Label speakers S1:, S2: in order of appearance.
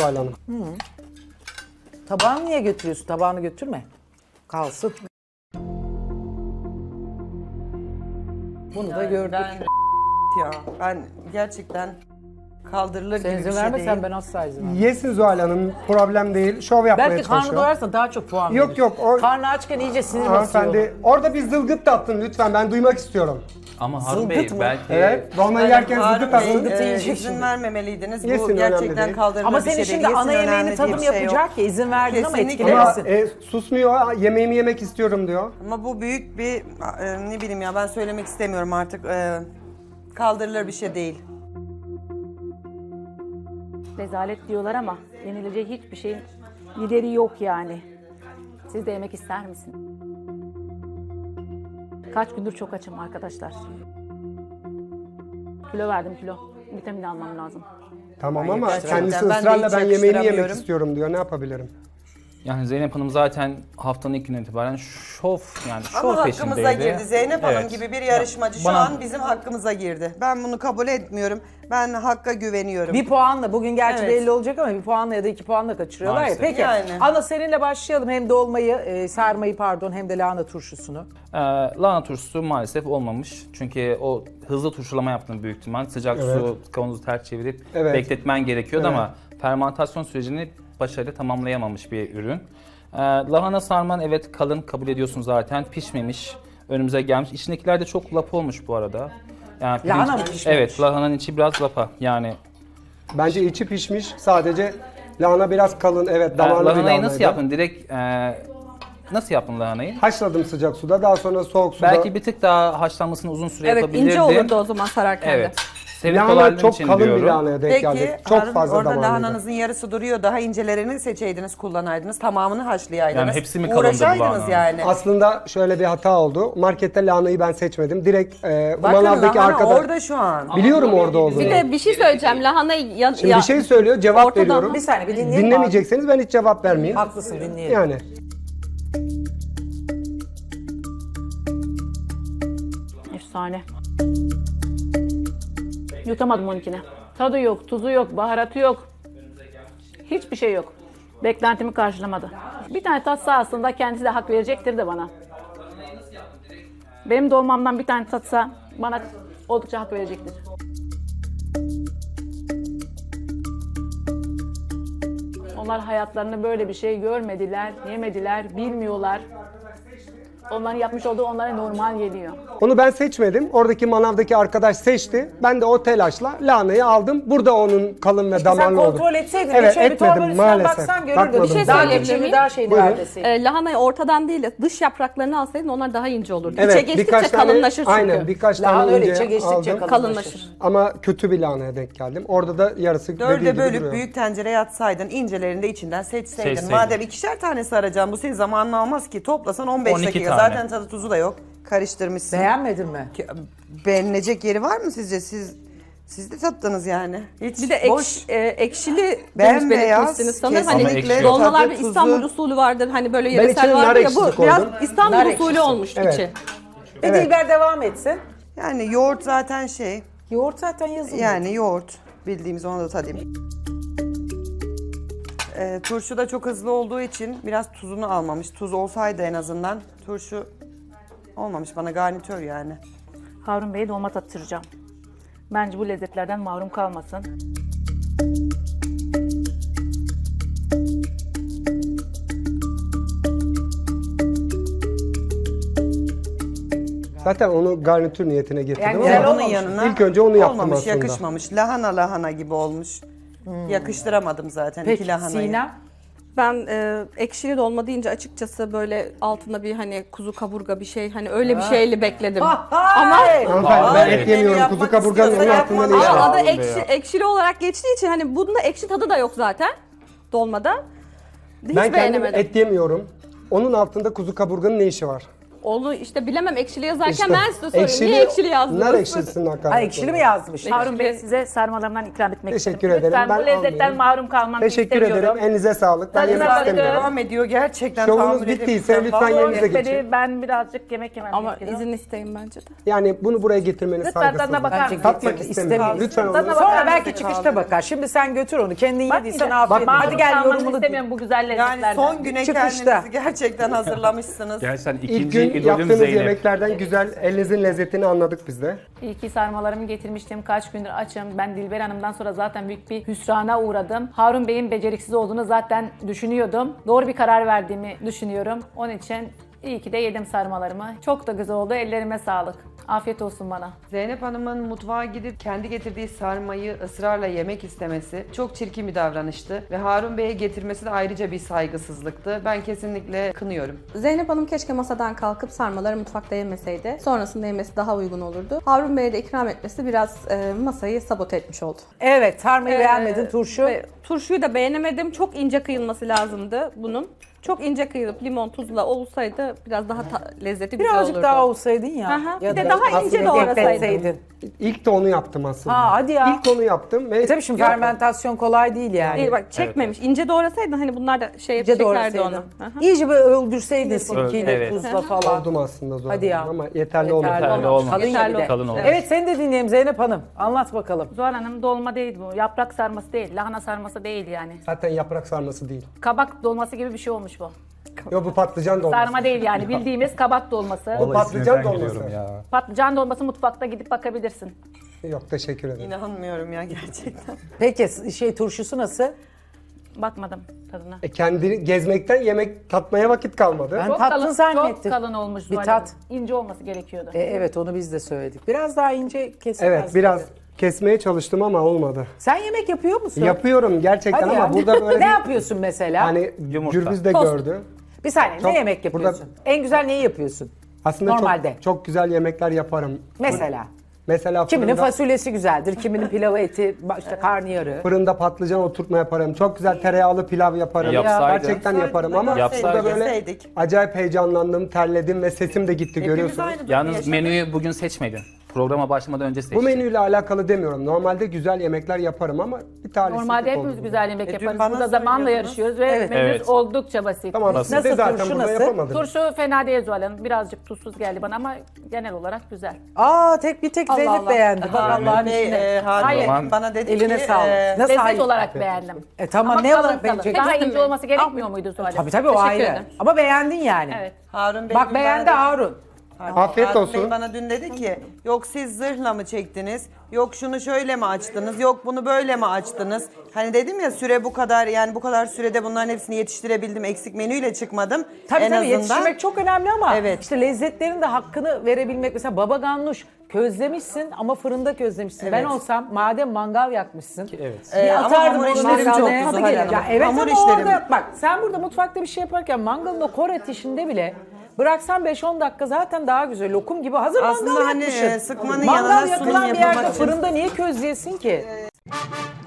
S1: Zuhal Hanım.
S2: Tabağını niye götürüyorsun? Tabağını götürme. Kalsın. Bunu da gördük.
S3: Ben gerçekten kaldırılır
S2: Sen
S3: gibi
S2: izin
S3: bir şey
S2: vermesen
S3: değil.
S2: ben asla izin vermem.
S1: Yesin Zuhal Hanım, problem değil. Şov yapmaya
S2: Belki
S1: çalışıyor.
S2: karnı doyarsa daha çok puan
S1: Yok,
S2: verir.
S1: yok, o-
S2: Karnı açken iyice sinir basıyor.
S1: Hanımefendi, orada bir zılgıt da attın lütfen, ben duymak istiyorum.
S4: Ama Harun Bey
S2: Zılgıt mı?
S4: belki
S1: Evet, dolmayı yerken
S3: Harun
S1: zılgıt
S3: Bey,
S1: attın.
S2: yiyecek
S3: izin
S2: şimdi.
S3: vermemeliydiniz.
S1: Yesin,
S3: Bu
S1: önemli
S3: gerçekten
S1: değil.
S3: kaldırılır
S2: Ama
S3: bir şey
S2: senin
S3: değil.
S2: şimdi ana
S3: Yesin,
S2: yemeğini
S3: önemli
S2: tadım
S3: diye bir şey yok.
S2: yapacak ya izin verdin ama
S3: Kesinlikle.
S1: Ama
S2: etkilemesin.
S1: susmuyor, yemeğimi yemek istiyorum diyor.
S3: Ama bu büyük bir ne bileyim ya, ben söylemek istemiyorum artık. Kaldırılır bir şey değil.
S5: Rezalet diyorlar ama yenilecek hiçbir şeyin gideri yok yani. Siz de yemek ister misiniz? Kaç gündür çok açım arkadaşlar. Kilo verdim kilo. Vitamin almam lazım.
S1: Tamam ama
S3: gerçekten
S1: kendisi
S3: ben de
S1: ısrarla
S3: hiç
S1: ben yemeğimi yemek
S3: yakıştıramıyorum.
S1: istiyorum diyor. Ne yapabilirim?
S4: yani Zeynep Hanım zaten haftanın ilk günden itibaren şov
S3: Ama
S4: şov
S3: hakkımıza
S4: peşindeydi.
S3: girdi. Zeynep Hanım
S4: Evet.
S3: gibi bir yarışmacı şu
S4: Bana-
S3: an bizim hakkımıza girdi. Ben bunu kabul etmiyorum. Ben Hakk'a güveniyorum.
S2: Bir puanla bugün gerçi
S3: Evet.
S2: belli olacak ama bir puanla ya da 2 puanla kaçırıyorlar ya.
S4: Maalesef.
S2: Peki
S3: Yani.
S2: Ana seninle başlayalım. Hem dolmayı, sarmayı pardon hem de lahana turşusunu.
S4: Lahana turşusu maalesef olmamış. Çünkü o hızlı turşulama yaptın büyük ihtimal. Sıcak su kavanozu ters çevirip
S1: Evet.
S4: bekletmen gerekiyordu
S1: Evet.
S4: ama fermantasyon sürecini başarıyla tamamlayamamış bir ürün. Lahana sarman evet kalın, kabul ediyorsun zaten. Pişmemiş, önümüze gelmiş. İçindekiler de çok lapa olmuş bu arada. Yani
S2: Lahana mı pişmemiş?
S4: Evet, lahananın içi biraz lapa. Yani
S1: Bence içi pişmiş. Sadece lahana biraz kalın. Evet, damarlı bir
S4: lahanayı
S1: lahanaydı.
S4: nasıl yaptın? Direkt nasıl yaptın lahanayı?
S1: Haşladım sıcak suda. Daha sonra soğuk suda.
S4: Belki bir tık daha haşlanmasını uzun süre
S6: Evet,
S4: yapabilirdin.
S6: ince olurdu o zaman sararken de.
S4: Evet. Senin
S1: lahana
S4: kolaylığın
S1: çok
S4: için
S1: kalın
S4: diyorum.
S1: bir lahanaya denk
S3: Peki
S1: geldi. Çok
S3: Harun,
S1: fazla
S3: orada
S1: damarlıydı.
S3: lahananızın yarısı duruyor. Daha incelerini seçeydiniz, kullanaydınız. Tamamını haşlayaydınız.
S4: Yani hepsi mi kalındı bu
S3: Uğraşaydınız
S4: lahananın?
S3: yani.
S1: Aslında şöyle bir hata oldu. Markette lahanayı ben seçmedim. Direkt
S3: Bakın
S1: manavdaki
S3: lahana
S1: arkadaş...
S3: orada şu an.
S1: Biliyorum orada olduğunu.
S6: Bir de bir şey söyleyeceğim. Lahanayı
S1: Şimdi bir şey söylüyor, cevap
S6: ortadan-
S1: veriyorum.
S2: Bir saniye bir dinleyelim.
S1: Dinlemeyecekseniz ben hiç cevap vermeyeyim.
S2: Haklısın dinleyelim.
S1: Yani.
S5: Efsane. Yutamadım onunkine. Tadı yok, tuzu yok, baharatı yok. Hiçbir şey yok. Beklentimi karşılamadı. Bir tane tatsa aslında kendisi de hak verecektir de bana. Benim dolmamdan bir tane tatsa bana oldukça hak verecektir. Onlar hayatlarında böyle bir şey görmediler, yemediler, bilmiyorlar. Onların yapmış olduğu onlara normal geliyor.
S1: Onu ben seçmedim. Oradaki manavdaki arkadaş seçti. Ben de o telaşla lahanayı aldım. Burada onun kalın ve
S2: İşte sen
S1: damarlı oldu.
S2: kontrol etseydin.
S1: Evet,
S2: şöyle bir
S1: etmedim
S2: torbanın üstüne
S1: maalesef.
S2: baksan görürdün.
S1: Bakmadım.
S6: Bir şey
S2: Daha
S6: söyleyebilir
S2: geçimi,
S6: miyim?
S2: daha şeyini
S1: Buyurun.
S2: verdeseydin.
S6: Lahanayı ortadan değil de dış yapraklarını alsaydın onlar daha ince olurdu.
S1: Evet,
S6: İçe geçtikçe
S1: birkaç tane,
S6: kalınlaşır çünkü.
S1: aynen birkaç
S2: Lahana
S1: tane
S2: öyle
S1: ince
S2: içe geçtikçe
S1: aldım.
S6: kalınlaşır.
S1: Ama kötü bir lahanaya denk geldim. Orada da yarısı dediği
S3: Dörde
S1: gibi
S3: bölüp
S1: duruyor.
S3: büyük tencereye atsaydın, incelerini de içinden seçseydin.
S4: Seçseydin.
S3: Madem ikişer tane saracağım, bu senin zamanını almaz ki. Toplasan 15
S4: 12
S3: dakika.
S4: tane.
S3: Zaten tadı tuzu da yok. Karıştırmışsın.
S2: Beğenmedin mi?
S3: Beğenilecek yeri var mı sizce? Siz de tattınız yani. Hiç
S6: Bir de ekşili demiş
S3: Bembeyaz,
S6: belirtmişsiniz sanırım. Hani
S3: kesinlikle
S6: dolmalar
S3: tadı,
S6: bir
S3: tuzu.
S6: İstanbul usulü vardır. Hani böyle
S1: içine
S6: yöresel
S1: nar
S6: vardır ya, bu
S1: ekşisi
S6: biraz
S1: koydum.
S6: İstanbul
S2: Nar
S6: usulü
S2: ekşisi.
S6: olmuş
S1: Evet.
S6: içi.
S2: Bir Dilber devam etsin.
S3: Yani yoğurt zaten şey.
S2: Yoğurt zaten yazılıyor.
S3: Yani yoğurt. Bildiğimiz, onu da tadayım. Turşu da çok hızlı olduğu için biraz tuzunu almamış. Tuz olsaydı en azından. Turşu olmamış, bana garnitör yani.
S5: Harun Bey'e dolma tattıracağım. Bence bu lezzetlerden mahrum kalmasın.
S1: Zaten onu garnitür niyetine getirdim
S2: Yani
S1: ama
S2: güzel
S3: Bunun
S2: olmamış.
S3: yanına
S1: İlk önce onu yaptım
S3: olmamış,
S1: aslında.
S3: yakışmamış. Lahana gibi olmuş. Yakıştıramadım zaten iki
S2: Peki
S3: lahanayı.
S2: Sinem?
S6: Ben ekşili dolma deyince açıkçası böyle altında bir hani kuzu kaburga bir şey hani öyle bir şeyle bekledim.
S2: Ama
S1: Hanımefendi ben
S3: Ay,
S1: et yemiyorum.
S3: yapmak
S1: Kuzu kaburganın onun
S3: istiyorsa
S1: altında
S3: yapma.
S1: ne işi
S6: Ama
S1: var?
S6: adı
S4: Harun Bey ya.
S6: ekşili olarak geçtiği için hani bunda ekşi tadı da yok zaten dolmada. Hiç
S1: Ben kendim
S6: beğenemedim.
S1: et yemiyorum. Onun altında kuzu kaburganın ne işi var?
S6: Onu işte bilemem, ekşili yazarken
S1: İşte,
S6: ben size sorayım. Niye ekşili yazdınız?
S1: Nar ekşilisin hakaret.
S2: Ha, ekşili mi yazmış?
S5: Harun Bey size sarmalarımdan ikram etmek
S1: Teşekkür
S5: istedim.
S1: ederim.
S5: Lütfen
S1: Ben
S5: bu lezzetten
S1: almıyorum.
S5: mahrum kalmam
S1: Teşekkür
S5: istemiyorum.
S1: ederim. Elinize sağlık. Ben
S5: Tadına
S1: yemek
S5: bakın.
S1: istemiyorum.
S3: Devam ediyor gerçekten.
S1: Şovunuz
S3: tahammül
S1: bittiyse
S3: edemeyeceğim.
S1: lütfen
S3: Vallahi
S1: yerinize
S5: Yetmedi,
S1: geçin.
S5: ben birazcık yemek yemem
S6: Ama
S5: gerekiyor.
S6: izin isteyin bence de.
S1: Yani bunu buraya getirmeniz
S5: Lütfen
S1: saygısızlık.
S5: tadına bakar
S2: Bence
S5: mısın?
S1: Tatmak
S2: getirmek
S1: istemiyorum.
S2: istemiyorum.
S1: Lütfen
S5: Tadına
S1: onu.
S5: bakar
S2: Sonra
S5: mısın?
S2: belki çıkışta bakar. Şimdi sen götür onu. Kendin yediysen afiyet olsun.
S5: Mahrum
S2: Hadi gel
S5: kalmanızı
S2: yorumunu
S5: istemiyorum bu güzel lezzetlerden.
S3: Yani son güne
S2: Çıkışta.
S3: kendinizi gerçekten hazırlamışsınız.
S4: Gerçekten
S1: İlk
S4: ikinci
S1: gün
S4: idolüm
S1: yaptığınız
S4: Zeynep.
S1: yemeklerden güzel, elinizin lezzetini anladık biz de.
S5: İyi ki sarmalarımı getirmiştim. Kaç gündür açım. Ben Dilber Hanım'dan sonra zaten büyük bir hüsrana uğradım. Harun Bey'in beceriksiz olduğunu zaten düşünüyordum. Doğru bir karar verdiğimi düşünüyorum. Onun için iyi ki de yedim sarmalarımı. Çok da güzel oldu. Ellerime sağlık. Afiyet olsun bana.
S3: Zeynep Hanım'ın mutfağa gidip kendi getirdiği sarmayı ısrarla yemek istemesi çok çirkin bir davranıştı. Ve Harun Bey'e getirmesi de ayrıca bir saygısızlıktı. Ben kesinlikle kınıyorum.
S6: Zeynep Hanım keşke masadan kalkıp sarmaları mutfakta yemeseydi. Sonrasında yemesi daha uygun olurdu. Harun Bey'e de ikram etmesi biraz masayı sabote etmiş oldu.
S2: Evet, sarmayı beğenmedin, turşu.
S6: Ve turşuyu da beğenemedim. Çok ince kıyılması lazımdı bunun. Çok ince kıyılıp limon tuzla olsaydı biraz daha lezzeti güzel olurdu.
S2: Birazcık daha olsaydın ya.
S6: Aha,
S2: Ya
S6: bir de
S2: da
S6: daha ince
S1: aslında
S6: doğrasaydın.
S2: ekletseydin.
S1: İlk de onu yaptım aslında.
S2: Ha, hadi ya.
S1: İlk onu yaptım ve
S2: Tabii şimdi fermentasyon kolay değil yani.
S6: Değil bak, çekmemiş. İnce doğrasaydın hani bunlar da şey
S2: İyice
S6: çekerdi
S2: doğrasaydın.
S6: onu. Aha.
S2: İyice böyle öldürseydin sirkeyle,
S4: Evet.
S2: tuzla falan.
S1: oldum aslında zor.
S2: Hadi ya.
S1: Ama yeterli olmadı.
S4: Yeterli olmadı.
S2: Kalın
S6: Yeterli
S2: ya bir de.
S4: Kalın oldu.
S2: Evet, seni de dinleyelim Zeynep Hanım. Anlat bakalım.
S5: Zuhal Hanım dolma değil bu. Yaprak sarması değil. Lahana sarması değil yani.
S1: Zaten yaprak sarması değil.
S5: Kabak dolması gibi bir şey olmuş bu.
S1: Yo, bu patlıcan dolması.
S5: Sarma değil yani. Bildiğimiz kabak dolması.
S1: Bu patlıcan dolması.
S5: Patlıcan dolması mutfakta gidip bakabilirsin.
S1: Yok, teşekkür ederim.
S3: İnanmıyorum ya gerçekten.
S2: Peki turşusu nasıl?
S5: Bakmadım tadına.
S1: Kendini gezmekten yemek tatmaya vakit kalmadı.
S2: Ben tattın zannettim.
S5: Çok kalın olmuş
S2: Bir
S5: Zuhal
S2: tat.
S5: Hanım. İnce olması gerekiyordu.
S2: Evet, onu biz de söyledik. Biraz daha ince kesilmez.
S1: Evet, biraz kesmeye çalıştım ama olmadı.
S2: Sen yemek yapıyor musun?
S1: Yapıyorum gerçekten
S2: Hadi
S1: ama
S2: ya.
S1: burada böyle
S2: Ne yapıyorsun mesela?
S1: hani
S4: Yumurta.
S1: Gürbüz de
S6: Tost.
S1: gördü.
S2: Bir saniye,
S1: Çok-
S2: ne yemek yapıyorsun? En güzel neyi yapıyorsun?
S1: Aslında
S2: Normalde.
S1: çok güzel yemekler yaparım.
S2: Mesela.
S1: Mesela
S2: Kiminin
S1: fırında,
S2: fasulyesi güzeldir, kiminin pilavı eti, işte karnıyarı.
S1: fırında patlıcan oturtma yaparım. Çok güzel tereyağlı pilav yaparım.
S4: Yapsaydın.
S1: Gerçekten yaparım ama
S4: Yapsaydın.
S1: burada böyle
S3: Yeseydik.
S1: acayip heyecanlandım, terledim ve sesim de gitti
S3: Hepimiz
S1: görüyorsunuz.
S3: aynı durumu
S4: Yalnız
S3: yaşadık.
S4: menüyü bugün seçmedin. Programa başlamadan önce seçtin.
S1: Bu menüyle alakalı demiyorum. Normalde güzel yemekler yaparım ama bir talihsizlik
S5: Normalde
S1: oldu.
S5: hepimiz güzel yemek
S3: dün
S5: yaparız.
S3: bana
S5: Burada zamanla
S3: söylüyordunuz.
S5: yarışıyoruz ve
S2: Evet.
S5: menümüz
S4: Evet.
S5: oldukça basit.
S1: Tamam,
S2: Nasıl
S1: siz de zaten
S2: turşu
S1: burada
S2: nasıl?
S1: yapamadınız.
S5: Turşu fena değil Zuhal Hanım. Birazcık tuzsuz geldi bana ama genel olarak güzel.
S2: Bir tek
S6: Allah
S2: Zeynep
S6: Allah.
S2: beğendi. Bak
S3: Harun
S2: Allah'ın
S3: Bey,
S2: işine.
S3: Harun
S5: Hayır.
S3: Bey bana dedi
S2: Eline
S3: ki
S2: sağlık. Nasıl
S5: Lezzet
S2: hayır?
S5: olarak beğendim.
S2: Tamam,
S5: Ama
S2: ne
S5: kalın
S2: olarak
S5: kalın.
S2: beğenecek?
S5: Daha
S6: Hepsi
S5: ince
S6: mi?
S5: olması gerekmiyor muydu Zuhal Hanım?
S2: Tabii o
S6: Teşekkür
S2: ayrı.
S6: ederim.
S2: Ama beğendin yani.
S5: Evet.
S3: Harun Bey
S2: Bak
S3: dün
S2: beğendi
S3: bana-
S2: Harun.
S1: Afiyet
S3: Harun
S1: olsun.
S3: Bey bana dün dedi ki yok siz zırhla mı çektiniz? Yok şunu şöyle mi açtınız? Yok bunu böyle mi açtınız? Hani dedim ya süre bu kadar, yani bu kadar sürede bunların hepsini yetiştirebildim. Eksik menüyle çıkmadım.
S2: Tabii
S3: en
S2: tabii,
S3: azından.
S2: yetiştirmek çok önemli ama
S3: Evet.
S2: işte lezzetlerin de hakkını verebilmek. Mesela baba ganoush közlemişsin ama fırında közlemişsin. Ben
S3: Evet.
S2: olsam madem mangal yakmışsın.
S4: Evet.
S2: Bir
S3: Ama
S2: atardım
S3: hamur
S2: onu
S3: işlerim
S2: mangalda.
S3: çok
S2: Tadı
S3: Zuhal
S2: gelir.
S3: Hanım.
S2: Ya evet
S3: Hamur
S2: ama
S3: işlerim.
S2: orada bak sen burada mutfakta bir şey yaparken mangalın o kor ateşinde bile bıraksan 5-10 dakika zaten daha güzel. Lokum gibi hazır
S3: Aslında
S2: mangal
S3: hani,
S2: yakmışsın.
S3: sıkmanın
S2: mangal
S3: yanına sunum
S2: yakılan bir
S3: yapmak
S2: yerde
S3: için-
S2: fırında niye közleyesin ki?